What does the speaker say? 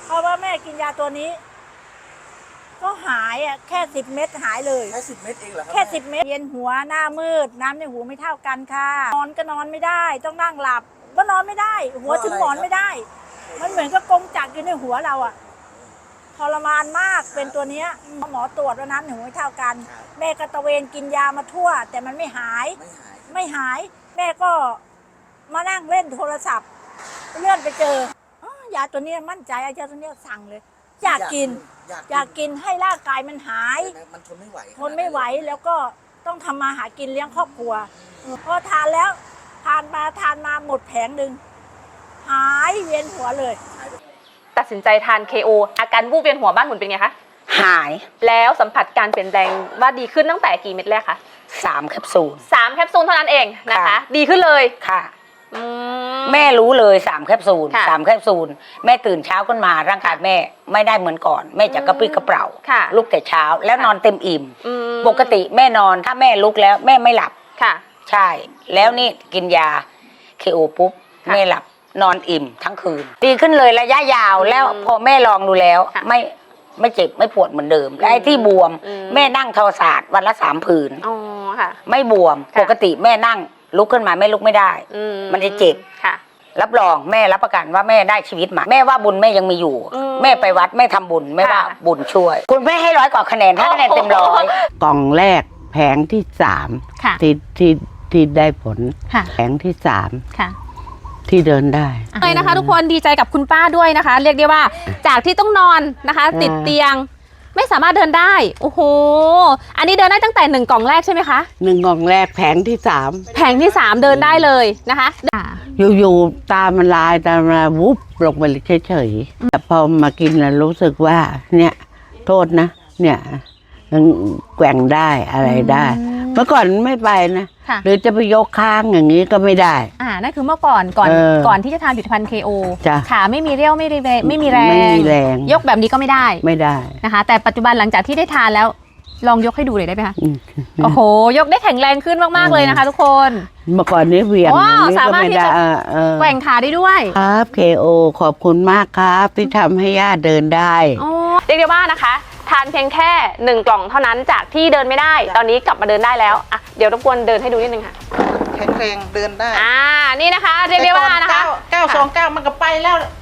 เพราะว่าแม่กินยาตัวนี้ก็หายอ่ะแค่10 เม็ดหายเลยแค่10 เม็ดเองเหรอครับแค่10 เม็ดเย็นหัวหน้ามืดน้ำในหูไม่เท่ากันค่ะนอนก็นอนไม่ได้ต้องนั่งหลับก็นอนไม่ได้หัวถึงหมอนไม่ได้มันเหมือนกับกงจักรอยู่ในหัวเราอ่ะทรมานมากเป็นตัวเนี้ยหมอตรวจว่าน้ำในหูไม่เท่ากันแม่ก็ตะเวนกินยามาทั่วแต่มันไม่หายแม่ก็มานั่งเล่นโทรศัพท์เลื่อนไปเจอยาตัวนี้มั่นใจยาตัวนี้สั่งเลยอยากกินให้ร่างกายมันหายมันทนไม่ไหวแล้วก็ต้องทำมาหากินเลี้ยงครอบครัวพอทานแล้วทานมาหมดแผงหนึ่งหายเวียนหัวเลยตัดสินใจทาน KO อาการวูบเวียนหัวบ้านหมุนเป็นไงคะหายแล้วสัมผัสการเปลี่ยนแปลงว่าดีขึ้นตั้งแต่กี่เม็ดแรกคะ 3 แคปซูล 3 แคปซูลเท่านั้นเองนะคะดีขึ้นเลยค่ะแม่รู้เลย3 แคปซูล3 แคปซูลแม่ตื่นเช้าขึ้นมาร่างกายแม่ไม่ได้เหมือนก่อนแม่จะกระปรี้กระเปร่าลุกแต่เช้าแล้วนอนเต็มอิ่มปกติแม่นอนถ้าแม่ลุกแล้วแม่ไม่หลับค่ะใช่แล้วนี่กินยา KO ปุ๊บแม่หลับนอนอิ่มทั้งคืนดีขึ้นเลยระยะยาวแล้วพอแม่ลองดูแล้วไม่เจ็บไม่ปวดเหมือนเดิมและไอ้ที่บวมแม่นั่งทอศาสตร์วันละ3 ผืนอ๋อค่ะไม่บวมปกติแม่นั่งลุกขึ้นมาแม่ลุกไม่ได้มันจะเจ็บค่ะรับรองแม่รับประกันว่าแม่ได้ชีวิตใหม่แม่ว่าบุญแม่ยังมีอยู่แม่ไปวัดแม่ทำบุญแม่ว่าบุญช่วยคุณแม่ให้100 กว่าคะแนนถ้าคะแนนเต็ม100 กล่องแรกแผงที่3ที่ได้ผลแผงที่3ที่เดินได้เลยนะคะทุกคนดีใจกับคุณป้าด้วยนะคะเรียกได้ว่าจากที่ต้องนอนนะคะติดเตียงไม่สามารถเดินได้โอ้โหอันนี้เดินได้ตั้งแต่1 กล่องแรกใช่ไหมคะ 1 กล่องแรกแผงที่3 แผงที่3เดินได้เลยนะคะอยู่ๆตามันลายวุบลงไปเฉยๆแต่พอมากินแล้วรู้สึกว่าเนี่ยโทษนะเนี่ยแกว่งได้อะไรได้เมื่อก่อนไม่ไปนะหรือจะไปยกค้างอย่างนี้ก็ไม่ได้นั่นคือเมื่อก่อนที่จะทานผลิตภัณฑ์ KO ขาไม่มีเรี่ยวไม่มีแรงยกแบบนี้ก็ไม่ได้นะคะแต่ปัจจุบันหลังจากที่ได้ทานแล้วลองยกให้ดูเลยได้ไหมคะโอ้โหยกได้แข็งแรงขึ้นมากๆเลยนะคะทุกคนเมื่อก่อนนี้เวียงสามารถที่จะแกว่งขาได้ด้วยครับ KO ขอบคุณมากครับที่ทำให้ย่าเดินได้เรียกได้ว่านะคะทานเพียงแค่1 กล่องเท่านั้นจากที่เดินไม่ได้ตอนนี้กลับมาเดินได้แล้วอ่ะเดี๋ยวรบกวนเดินให้ดูนิดนึงค่ะแข็งแรงเดินได้นี่นะคะเรียกได้ว่านะคะ 929มันก็ไปแล้ว